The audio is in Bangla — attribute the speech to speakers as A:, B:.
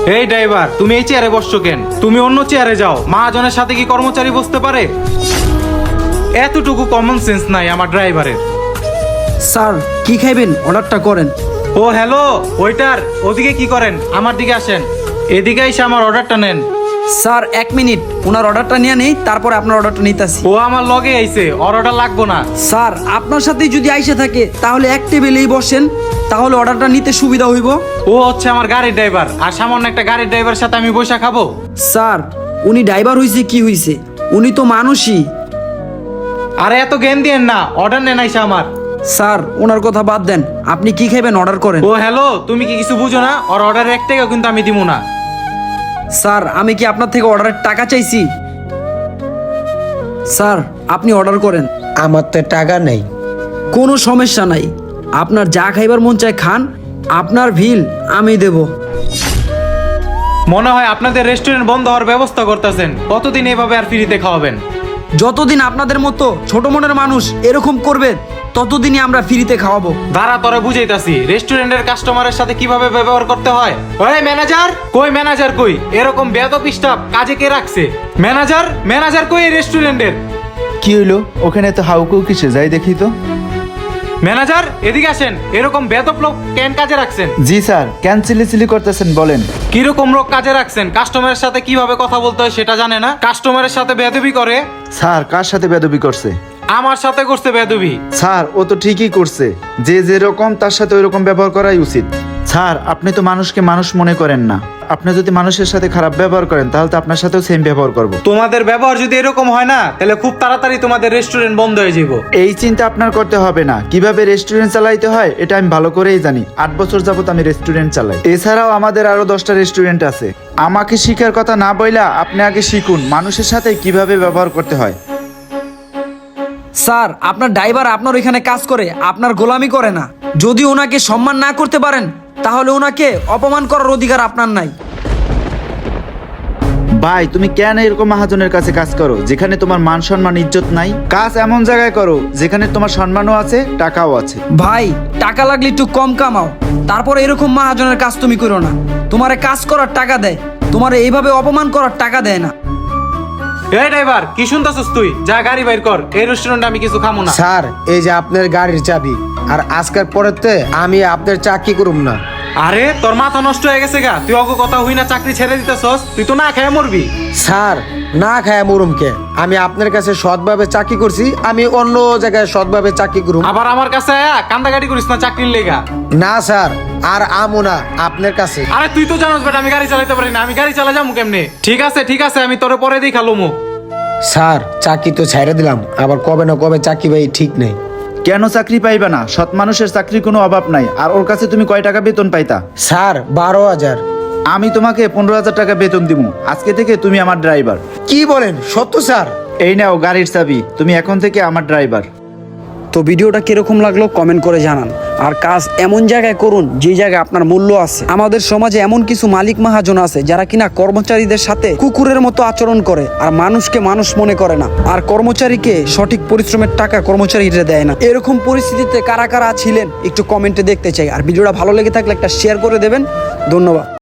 A: এই ড্রাইভার, তুমি এই চেয়ারে বসছো কেন? তুমি অন্য চেয়ারে যাও। মহাজনের সাথে কি কর্মচারী বসতে পারে? এতটুকু কমন সেন্স নাই আমার ড্রাইভারের।
B: স্যার কি খাইবেন অর্ডারটা করেন।
A: ও হ্যালো ওয়েটার, ওদিকে কি করেন? আমার দিকে আসেন, এদিকে এসে আমার অর্ডারটা নেন।
B: স্যার 1 মিনিট, ওনার অর্ডারটা নিয়ে নেই, তারপরে আপনার অর্ডারটা নিতেছি।
A: ও আমার লগে আইছে, অর্ডার লাগবো না।
B: স্যার আপনার সাথেই যদি আইসে থাকে তাহলে এক টেবিলেই বসেন, তাহলে অর্ডারটা নিতে সুবিধা হইব।
A: ও হচ্ছে আমার গাড়ির ড্রাইভার, আর সামান্য একটা গাড়ির ড্রাইভারের সাথে আমি বসে খাবো?
B: স্যার উনি ড্রাইভার হইছে কি হইছে, উনি তো মানুষই।
A: আরে এত জ্ঞান দিয়েন না, অর্ডার নেন আইসা আমার।
B: স্যার ওনার কথা বাদ দেন, আপনি কি খাইবেন অর্ডার করেন।
A: ও হ্যালো, তুমি কি কিছু বুঝো না? ওর অর্ডার 1 টাকাও কিন্তু আমি দিব না।
B: স্যার আমি কি আপনার থেকে অর্ডারের টাকা চাইছি? স্যার আপনি অর্ডার করেন।
C: আমার তো টাকা নেই।
B: কোনো সমস্যা নাই, আপনার যা খাইবার মন চায় খান, আপনার বিল আমি দেব।
A: মনে হয় আপনাদের রেস্টুরেন্ট বন্ধ হওয়ার ব্যবস্থা করতেছেন। কতদিন এভাবে আর ফ্রিতে খাওয়াবেন?
B: যতদিন আপনাদের মতো ছোট মনের মানুষ এরকম করবে ততদিনই আমরা ফ্রিতে খাওয়াবো।
A: দাঁড়া, তোরে বুঝাইতাছি রেস্টুরেন্টের কাস্টমারের সাথে কিভাবে ব্যবহার করতে হয়। ওই ম্যানেজার কই? ম্যানেজার কই? এরকম বেয়াদব স্টাফ কাজে কে রাখছে? ম্যানেজার ম্যানেজার কই এই রেস্টুরেন্টের?
D: কি হইলো? ওখানে তো হাউকেও কিসে যাই দেখি তো।
A: ম্যানেজার এদিকে আসেন, এরকম বেয়াদব লোক কেন কাজে রাখছেন?
D: জি স্যার, কেন চিলি করতেছেন বলেন।
A: কিরকম লোক কাজে রাখছেন? কাস্টমারের সাথে কিভাবে কথা বলতে হয় সেটা জানে না, কাস্টমারের সাথে বেয়াদবি করে।
D: স্যার কার সাথে বেদবি করছে?
A: আমার সাথে করছে বেয়াদবি।
D: স্যার ও তো ঠিকই করছে, যে যেরকম তার সাথে ওইরকম ব্যবহার করাই উচিত। স্যার আপনি তো মানুষকে মানুষ মনে করেন না। আপনি যদি মানুষের সাথে খারাপ ব্যবহার করেন তাহলে তো আপনার সাথেও সেম ব্যবহার করব।
A: তোমাদের ব্যবহার যদি এরকম হয় না, তাহলে খুব তাড়াতাড়ি তোমাদের রেস্টুরেন্ট বন্ধ হয়ে যাবো।
D: এই চিন্তা আপনার করতে হবে না। কিভাবে রেস্টুরেন্ট চালাইতে হয় এটা আমি ভালো করেই জানি। 8 বছর যাবত আমি রেস্টুরেন্ট চালাই। এছাড়াও আমাদের আরো 10টা রেস্টুরেন্ট আছে। আমাকে শিখার কথা না বইলা আপনি আগে শিখুন মানুষের সাথে কিভাবে ব্যবহার করতে হয়।
B: স্যার আপনার ড্রাইভার আপনার ওইখানে কাজ করে, আপনার গোলামি করে না। যদি ওনাকে সম্মান না করতে পারেন তাহলে ওনাকে অপমান করার অধিকার আপনার নাই।
D: ভাই তুমি কেন এরকম মহাজনের কাছে কাজ করো যেখানে তোমার মান সম্মান ইজ্জত নাই? কাজ এমন জায়গায় করো যেখানে তোমার সম্মানও আছে, টাকাও আছে।
B: ভাই টাকা লাগলে একটু কম কামাও, তারপরে এরকম মহাজনের কাজ তুমি করো না। তোমারে কাজ করার টাকা দেয়, তোমারে এইভাবে অপমান করার টাকা দেয় না।
A: এই ড্রাইভার কি শুনতাছস তুই? যা গাড়ি বাইর কর, এই রেস্টুরেন্টে আমি কিছু খামো না।
C: স্যার এই যে আপনার গাড়ির চাবি, আর আজকের পরেতে আমি আপনার চাকরি করুম না।
A: আরে তোর মাথা নষ্ট হয়ে গেছে গা? তুই অগ কথা হই না চাকরি ছেড়ে দিতেছস? তুই তো না খেয়ে মরবি।
C: স্যার না খায় মুরুমকে, আমি আপনার কাছে সৎভাবে চাকরি করছি, আমি অন্য জায়গায় সৎভাবে চাকরি করুম।
A: আবার আমার কাছে আয়া কান্দাকাটি করিস না চাকরির লেগা।
C: না স্যার, আর আমো না আপনার কাছে।
A: আরে তুই তো জানোস বেটা আমি গাড়ি চালাতে পারি না, আমি গাড়ি চালা যাবো কেমনে? ঠিক আছে আমি তোরে পরে দিই খালুমু।
C: স্যার চাকরি তো ছেড়ে দিলাম, আবার কবে না কবে চাকরি পাই ঠিক নেই।
D: কেন চাকরি পাইবা না? সৎ মানুষের চাকরির কোনো অভাব নাই। আর ওর কাছে তুমি কয় টাকা বেতন পাইতা?
C: স্যার 12,000।
D: আমি তোমাকে 15,000 টাকা বেতন দিব। আজকে থেকে তুমি আমার ড্রাইভার।
C: কি বলেন সত্য স্যার?
D: এই নাও গাড়ির চাবি, তুমি এখন থেকে আমার ড্রাইভার।
B: তো ভিডিওটা কিরকম লাগলো কমেন্ট করে জানান। আর কাজ এমন জায়গায় করুন যে জায়গায় আপনার মূল্য আছে। আমাদের সমাজে এমন কিছু মালিক মহাজন আছে যারা কিনা কর্মচারীদের সাথে কুকুরের মতো আচরণ করে, আর মানুষকে মানুষ মনে করে না, আর কর্মচারীকে সঠিক পরিশ্রমের টাকা কর্মচারীরা দেয় না। এরকম পরিস্থিতিতে কারা কারা ছিলেন একটু কমেন্টে দেখতে চাই। আর ভিডিওটা ভালো লেগে থাকলে একটা শেয়ার করে দেবেন। ধন্যবাদ।